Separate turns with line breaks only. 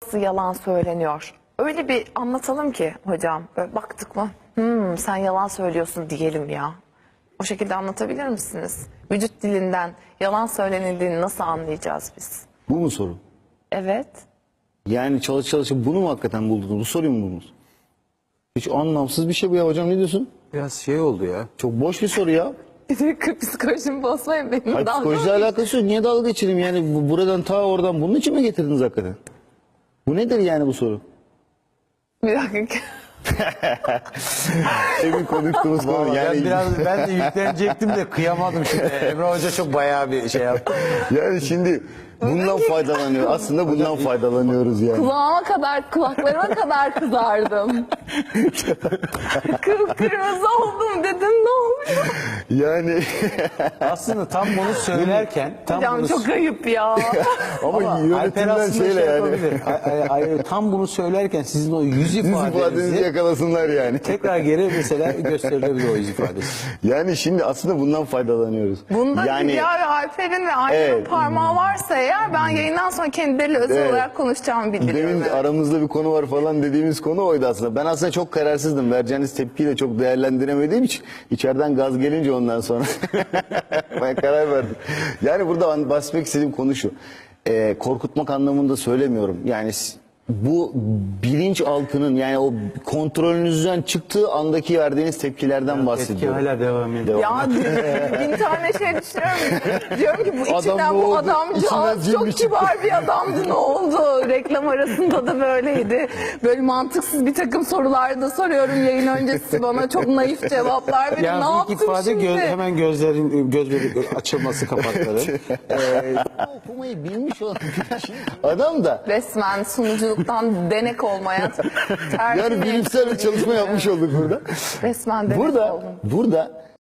nasıl yalan söyleniyor? Öyle bir anlatalım ki hocam. Böyle baktık mı? Sen yalan söylüyorsun diyelim ya. O şekilde anlatabilir misiniz? Vücut dilinden yalan söylenildiğini nasıl anlayacağız biz?
Bu mu soru?
Evet.
Yani çalışıp bunu mu hakikaten buldunuz? Bu soruyu mu buldunuz? Hiç anlamsız bir şey bu ya hocam, ne diyorsun?
Biraz şey oldu ya.
Çok boş bir soru ya.
Psikolojimi bozmayın benim.
Hayır,
dalga
psikolojiyle
mı
alakası yok. Niye dalga geçelim yani buradan ta oradan bunun için mi getirdiniz hakikaten? Bu nedir yani bu soru?
Bir dakika.
Emin konuştuğumuz konu
Vallahi
yani.
ben de yüklenecektim de kıyamadım şimdi. Emre Hoca çok bayağı bir şey yaptı.
Yani şimdi bundan faydalanıyor. Aslında bundan faydalanıyoruz yani.
Kulaklarıma kadar kızardım. Kıpkırmızı oldum dedim, ne oluyor?
Yani
Aslında tam bunu söylerken
Hocam çok ayıp ya.
ama
Alper
yönetimden
aslında
şeyle
şey
yani.
yapabilir. Tam bunu söylerken sizin o yüz
Yüz ifadenizi
ifadenizi
yakalasınlar yani.
tekrar geri mesela gösterilebilir o yüz ifadesi.
Yani şimdi aslında bundan faydalanıyoruz.
Bunda
yani
Hülya ve Alper'in ve Ayşe'nin
Evet.
parmağı varsa eğer ben yayından sonra kendileriyle özel
Evet.
olarak konuşacağımı bildiriyorum.
demin
Evet.
aramızda bir konu var falan dediğimiz konu oydu aslında. Ben aslında çok kararsızdım. Vereceğiniz tepkiyi de çok değerlendiremediğim için içeriden gaz gelince ondan sonra ben karar verdim. Yani burada bahsetmek istediğim konu şu. Korkutmak anlamında söylemiyorum. Yani bu bilinçaltının yani o kontrolünüzden çıktığı andaki verdiğiniz tepkilerden
Etki
bahsediyorum.
hala devam ediyor.
Ya bin tane şey düşünüyorum. Diyorum ki bu
Adam
içinden
ne
bu
oldu?
adamcağız
İçinden cin
çok
mi çıktı?
kibar bir adamdı, ne oldu? Reklam arasında da böyleydi. Böyle mantıksız bir takım sorular da soruyorum yayın öncesi, bana çok naif cevaplar veriyor. Ne
Yani ilk
yaptım
ifade
şimdi?
hemen gözleri açılması kapakları.
Okumayı bilmiş olan adam da
Resmen sunuculuktan denek olmaya tercih
yani bilimsel bir çalışma yapmış olduk burada.
Resmen denek
Burada
oldum.
burada